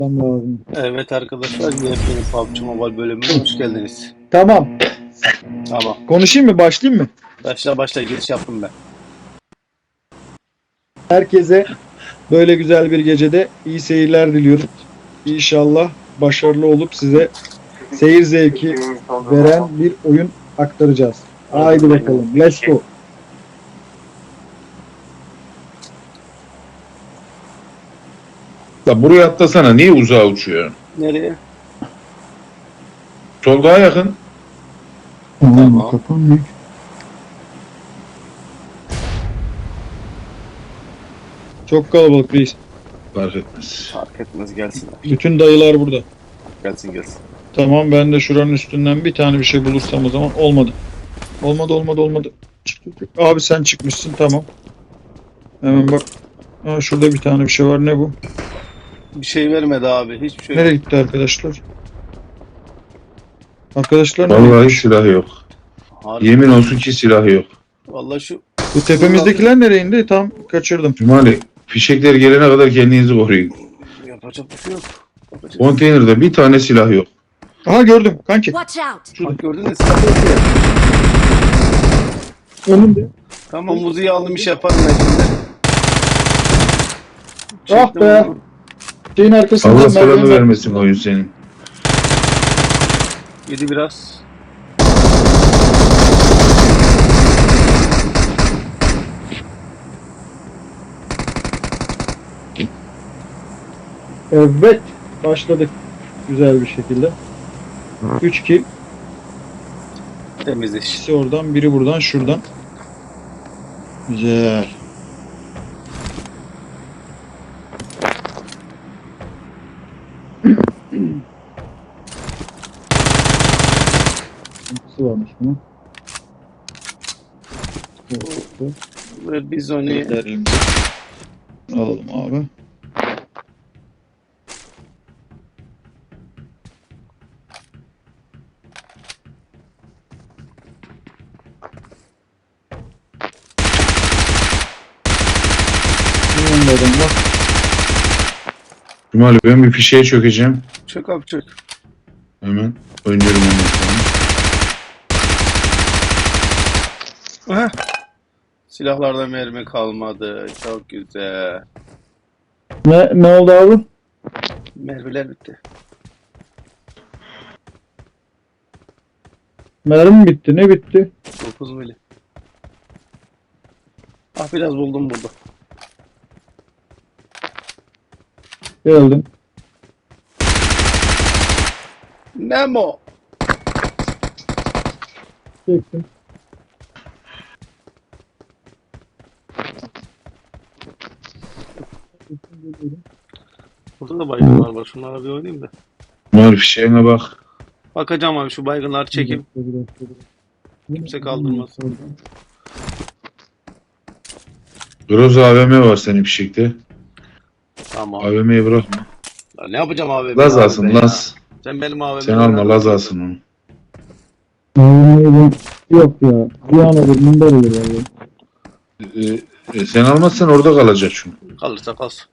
Lazım. Evet arkadaşlar, yepyeni PUBG Mobile bölümüne hoş geldiniz. Tamam. Tamam. Konuşayım mı? Başlayayım mı? Başla giriş yaptım ben. Herkese böyle güzel bir gecede iyi seyirler diliyorum. İnşallah başarılı olup size seyir zevki veren bir oyun aktaracağız. Haydi bakalım. Let's go. Da buraya atlasana. Niye uzağa uçuyor? Nereye? Sol daha yakın. Tamam. Kapanmıyor. Çok kalabalık reis. Fark etmez. Fark etmez, gelsinler. Bütün dayılar burada. Gelsin. Tamam, ben de şuranın üstünden bir tane bir şey bulursam o zaman. Olmadı. Olmadı. Çık. Abi sen çıkmışsın, tamam. Hemen bak. Aa, şurada bir tane bir şey var. Ne bu? Bir şey vermedi abi, hiçbir şey Nereye yok. gitti arkadaşlar? Arkadaşlar nereye Vallahi gitmiş? silah yok. Harbi. Yemin olsun ki silah yok. Vallahi şu Bu tepemizdekiler nereye indi? Tam kaçırdım. Cumali fişekler gelene kadar kendinizi koruyun. yapacak bir şey yok. Konteynerde bir tane silah yok. Aha, gördüm kanki. Watch out! Bak gördün mü? Silah yok ya. Önümde. Tamam, muziği aldım, iş yaparım ben şimdi. Ah Çektim be. onu. Şeyin arkasında Allah selamı merdiven var. vermesin oyun senin. Yedi biraz. Evet. Başladık. Güzel bir şekilde. 3 kill. Temiz iş. İkisi oradan, biri buradan, şuradan. Güzel. Sıkıntısı varmış bunun. Ve biz onu Gidelim. Alalım abi. Yanında adam var. Cumali ben bir fişeğe çökeceğim. çök abi çök. Hemen. Oynuyorum ondan sonra. Aha. Silahlarda mermi kalmadı. Çok güzel. Ne oldu abi? Mermiler bitti. Mermi bitti. Ne bitti? 9 mili. Ah, biraz buldum burada. Geldim. Nemo. Çektim. Burada da baygınlar var. Şunlara bir oynayayım da. Cumali fişeğine bak. Bakacağım abi, şu baygınları çekeyim. Kimse kaldırmaz. Groza AVM var senin fişekte. Tamam. AVM'yi bırakma. Ya ne yapacağım abi? Laz Benim alsın AVM ya. Laz. Sen benim AVM'yi Sen alma Laz alsın onu. Yok ya. Bir an olur. Mundar olur abi. Sen almazsan orada kalacak çünkü. Kalırsa kalsın.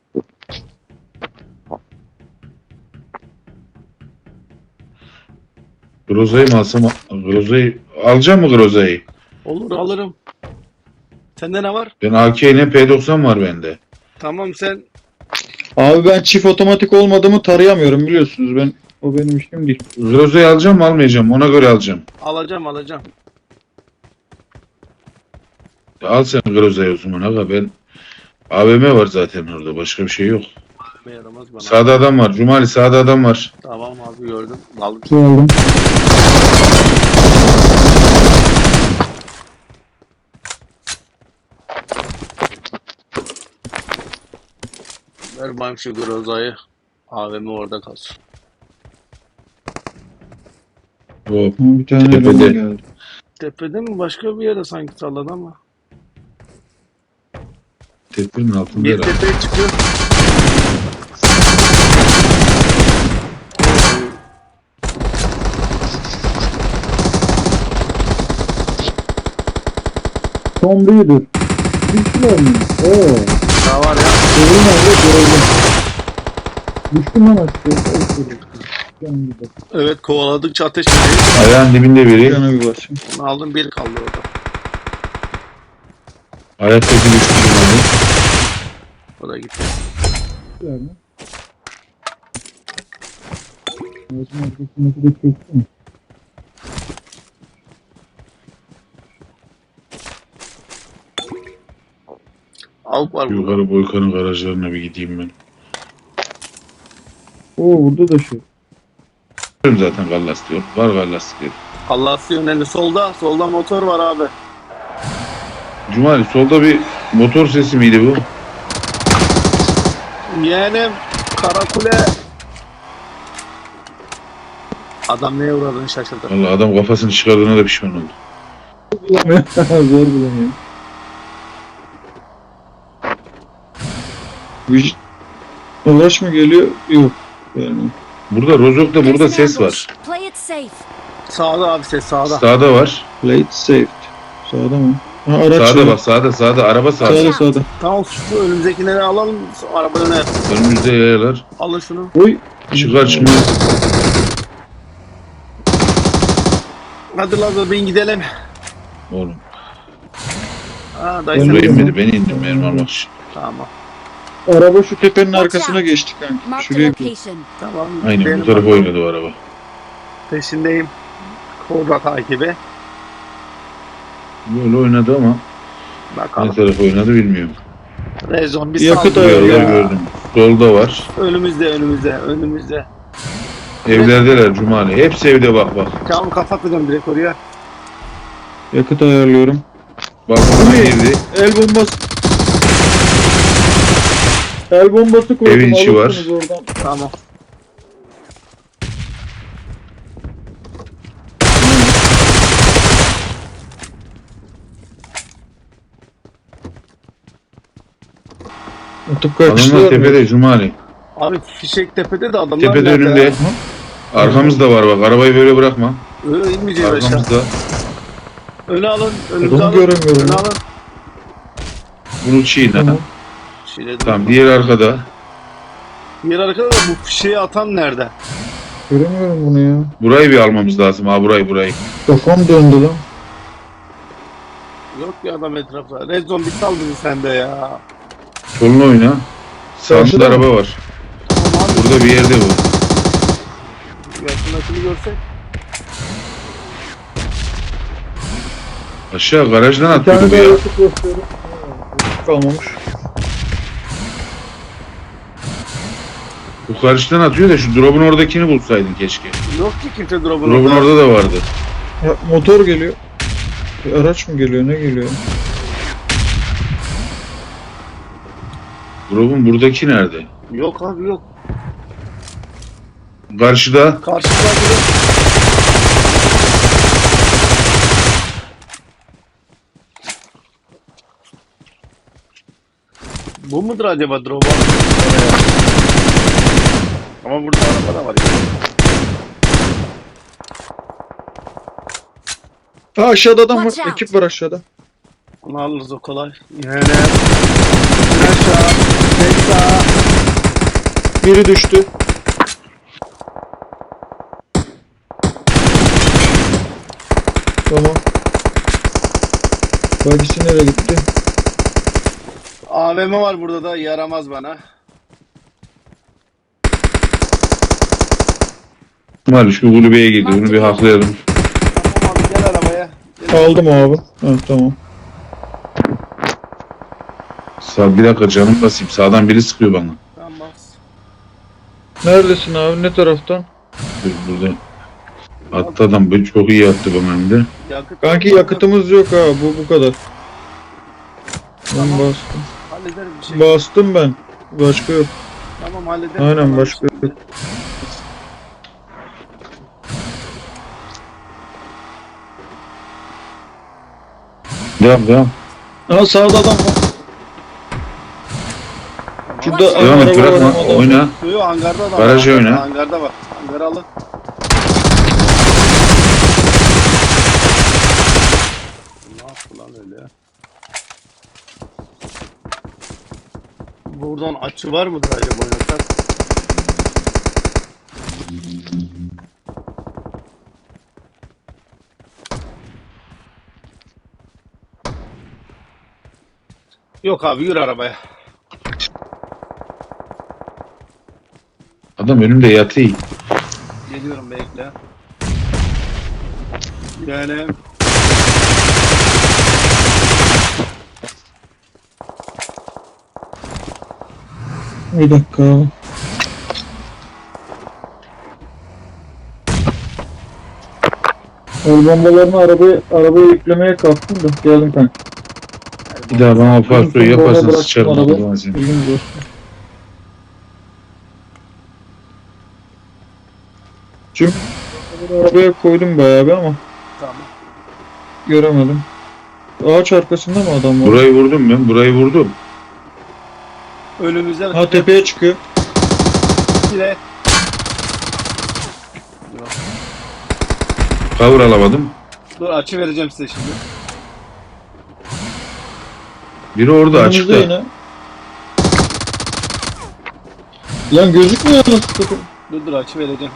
Groza'yı mı alsam? Groza'yı alacak mı Groza'yı? Olur, alırım. Sende ne var? Ben AK ile P90 var bende. Tamam, sen Abi ben çift otomatik olmadığımı tarayamıyorum, biliyorsunuz. O benim işim değil. Groza'yı alacağım mı almayacağım? Ona göre alacağım. alacağım. Al sen Groza'yı o zaman aga, ben AVM var zaten orada, başka bir şey yok. AVM yaramaz bana. Sağda adam var Cumali, sağda adam var. Tamam abi, gördüm. Aldım. Geldim. Ver bayım şu Groza'yı. AVM orada kalsın. Hop. Bir tane Tepede. eleman geldi. Tepede mi? Başka bir yere sanki salladı ama. Tepenin altında Bir herhalde. tepeye çıkıyor. Tom Raider. Bir şeyler mi? Oo. Daha var ya. Görün abi, görelim. Düştüm lan aşağıya. Canım bir bak. Evet, kovaladıkça ateş ediyor. Ayağın dibinde biri. Cana bir bak şimdi. Onu aldım, bir kaldı orada. Ayaktaki düştü Cumali. O da gitti. Yani. Ağacın arkasındaki de çöktü mü? Avuk var burada. Yukarı Boykan'ın garajlarına bir gideyim ben. Oo burada da şey. Biliyorum zaten gallas diyor. Var gallas diyor. Allah yöneli solda. Solda motor var abi. Cumali solda bir motor sesi miydi bu? Yeğenim Karakule. Adam neye uğradığını şaşırdı. Vallahi adam kafasını çıkardığına da pişman oldu. Bulamıyor. Zor bulamıyor. Vücut. Ulaş mı geliyor? Yok. Yani. Burada Rozok'ta burada There's an ses var. ambush. Play it safe. Sağda abi, ses sağda. Sağda var. Plate saved. Sağda mı? Ha araç. Sağda var. bak sağda araba sağda. Sağda. Tamam, şu önümüzdekileri alalım. Araba öne. Önümüzde yayalar. Alın şunu. Oy. Çıkar çıkmaz. Hadi Lazar, bin gidelim. Oğlum. Ha dayı Ben Buraya de- sen. inmedi. Beni indim benim almak için. Tamam. Araba şu tepenin Watch arkasına out. geçti kanka. Mark the Şuraya location. Tamam. Aynen benim bu tarafa bakalım. oynadı o araba. Peşindeyim. Kobra takibi. Böyle oynadı ama ne Bakalım. tarafa oynadı bilmiyorum. Rezon bir Yakıt saldırıyor ayarı Buraları ya. gördüm. Solda var. Önümüzde. Evlerdeler Cumali. Hepsi evde bak bak. Tamam, kapatacağım direkt oraya. yakıt ayarlıyorum. Bak buna girdi. El bombası. El bombası koydum. Evin içi alırsınız Oradan. Tamam. Atıp Adamlar kaçtılar mı? tepede Cumali. Abi fişek tepede de adamlar Tepede nerede önünde. ya? Arkamızda var bak. Arabayı böyle bırakma. Öyle inmeyeceğiz aşağı. Arkamızda. Öne alın. Önümüze Adamı alın. göremiyorum. Öne alın. Bunu çiğne. Tamam. Şiledim. Tamam diğer arkada. Diğer arkada da bu fişeği atan nerede? Göremiyorum bunu ya. Burayı bir almamız lazım. Ha burayı. Kafam döndü lan. Yok ya adam etrafta. Rezon bir sal bizi sende ya. Soluna oyna. Sağında Karşıda araba mı? var. Tamam abi. Burada bir yerde bu. Yakındakini görsek. Aşağı garajdan Bir tane atıyordu bu daha ya. yakıt gösteriyorum. Kalmamış. Bu karşıdan atıyor da şu drop'un oradakini bulsaydın keşke. Yok ki kimse drop'un Drop'un orada da vardı. Ya, motor geliyor. Bir araç mı geliyor? Ne geliyor? Drop'un buradaki nerede? Yok abi yok. Karşıda. Karşıda biri. Bu mudur acaba drop? Ama burada araba da var ya. Ha aşağıda adam var. Watch out. Ekip var aşağıda. Onu alırız o kolay. Yani. Aşağı. Tek sağa. Biri düştü. Tamam. Bagisi nereye gitti? AVM var burada da, yaramaz bana. Mal şu kulübeye girdi. Bunu bir haklayalım. Tamam abi, gel arabaya. Gel. Aldım abi. Ha, tamam. Sağ bir dakika canım basayım. Sağdan biri sıkıyor bana. Tamam bas. Neredesin abi? Ne taraftan? Dur, burada. Attı adam. Böyle çok iyi attı bana hem de. Yakıt. Kanki yakıtımız yok ha. Bu kadar. Ben bastım. Hallederiz bir şey. Bastım ben. Başka yok. Tamam hallederiz. Aynen Tamam, başka işte. yok. Devam. Ha sağda adam var. Şurada Devam et araba var, bırakma. adam. Oyna. Yok, hangarda da var. Garaja Hangarda, oyna. Hangarda var. Hangarı alın. Ne yaptı lan öyle ya? Buradan açı var mıdır acaba oynasak? Yok abi yürü arabaya. Adam önümde yatıyor. Geliyorum bekle. Yani Bir dakika. El bombalarını arabaya yüklemeye kalktım da geldim kanka. Bir daha bana farklı Sonra yaparsan bıraktım sıçarım arabayı. Allah'ın seni. Bilginiz olsun. Çünkü arabaya koydum bayağı bir ama tamam. göremedim. Ağaç arkasında mı adam var? Burayı vurdum ben. Burayı vurdum. Önümüzden Ha tepeye çıkıyor. bile. Cover alamadım. Dur açı vereceğim size şimdi. Biri orada Önümüzde açıkta. yine. Lan gözükmüyor nasıl takım? Dur açı vereceğim.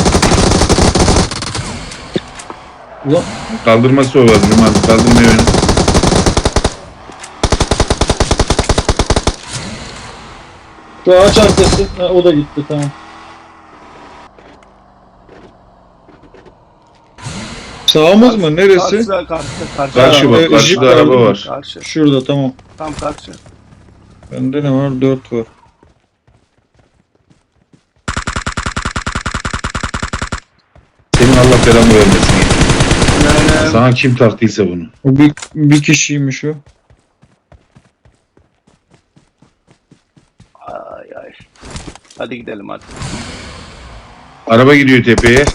Ulan Kaldırması olabilir. Hadi kaldırmıyor beni. şu ağaç arkası. Ha, o da gitti tamam. Sağımız mı? Neresi? Karşı. Karşı bak. Jip Karşıda var, araba değil mi? var. Karşı. Şurada tamam. Tam karşı. Bende ne var? 4 var. Senin Allah belanı vermesin. Yani Sana kim taktıysa bunu. O bir kişiymiş o. ay ay. Hadi gidelim hadi. Araba gidiyor tepeye.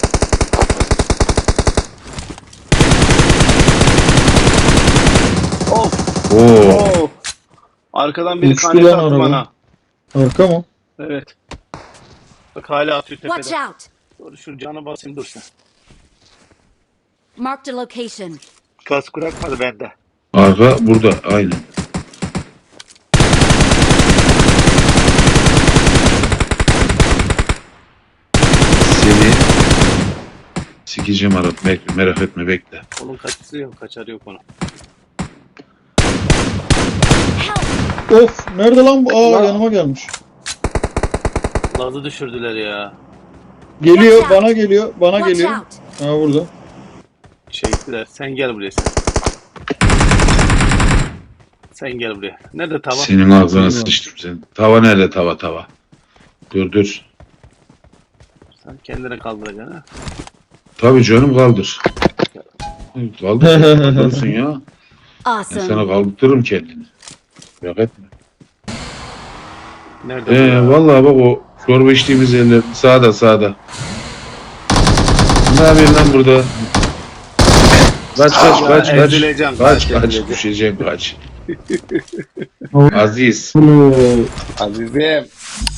Of. Oo. Of. Arkadan biri Uçtu kanete lan attı araba. bana. Arka mı? Evet. Bak hala atıyor Watch tepeden. out! Dur şu canı basayım dur sen. Marked a location. Kask bırakmadı bende. Arka burada. Aynen. Seni sikeceğim Arap. Merak etme bekle. Onun kaçısı yok, kaçarı yok onun. Help! Of! Nerede lan bu? Aa Lan. yanıma gelmiş. Lazı düşürdüler ya. Geliyor, Watch out. bana geliyor, bana Watch geliyor. out! Ha burada. Çektiler. Sen gel buraya sen. Sen gel buraya. Nerede tava? Senin ağzına sıçtım sen. Tava nerede tava? Dur. Sen kendine kaldıracaksın ha. Tabii canım kaldır. Kaldırırsın ya. Ben Awesome. sana kaldırırım kendini. Merak etme. Nerede bu ya? Vallahi bak o çorba içtiğimiz yerler sağda. Ne yapıyorsun lan burada? Kaç. ezileceğim, Kaç ezileceğim. düşeceğim kaç. Aziz. Azizim.